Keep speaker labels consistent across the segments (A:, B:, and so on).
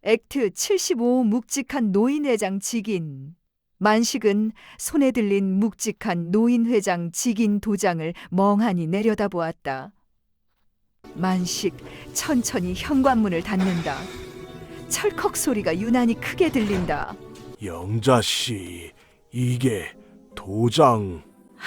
A: 액트 75 묵직한 노인회장 직인. 만식은 손에 들린 묵직한 노인회장 직인 도장을 멍하니 내려다보았다. 만식 천천히 현관문을 닫는다. 철컥 소리가 유난히 크게 들린다.
B: 영자씨, 이게 도장...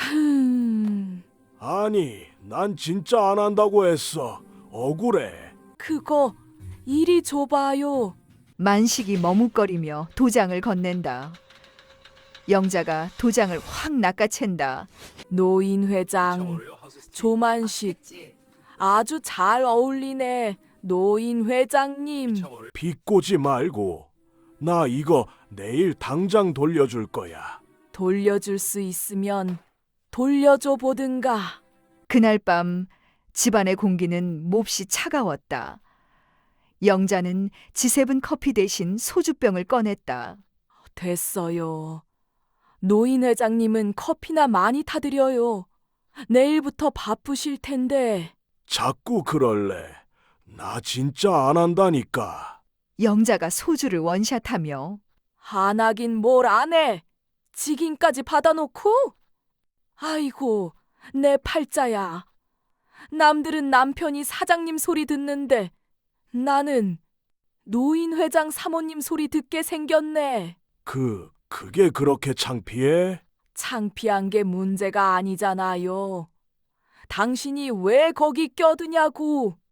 B: 아니, 난 진짜 안 한다고 했어. 억울해.
C: 그거 이리 줘봐요.
A: 만식이 머뭇거리며 도장을 건넨다. 영자가 도장을 확 낚아챈다.
C: 노인 회장, 조만식. 아주 잘 어울리네. 노인 회장님.
B: 비꼬지 말고. 나 이거 내일 당장 돌려줄 거야.
C: 돌려줄 수 있으면 돌려줘 보든가.
A: 그날 밤 집안의 공기는 몹시 차가웠다. 영자는 지세븐 커피 대신 소주병을 꺼냈다.
C: 됐어요. 노인 회장님은 커피나 많이 타드려요. 내일부터 바쁘실 텐데.
B: 자꾸 그럴래. 나 진짜 안 한다니까.
A: 영자가 소주를 원샷하며
C: 안 하긴 뭘 안 해. 직인까지 받아놓고? 아이고, 내 팔자야. 남들은 남편이 사장님 소리 듣는데 나는 노인 회장 사모님 소리 듣게 생겼네.
B: 그게 그렇게 창피해?
C: 창피한 게 문제가 아니잖아요. 당신이 왜 거기 껴드냐고.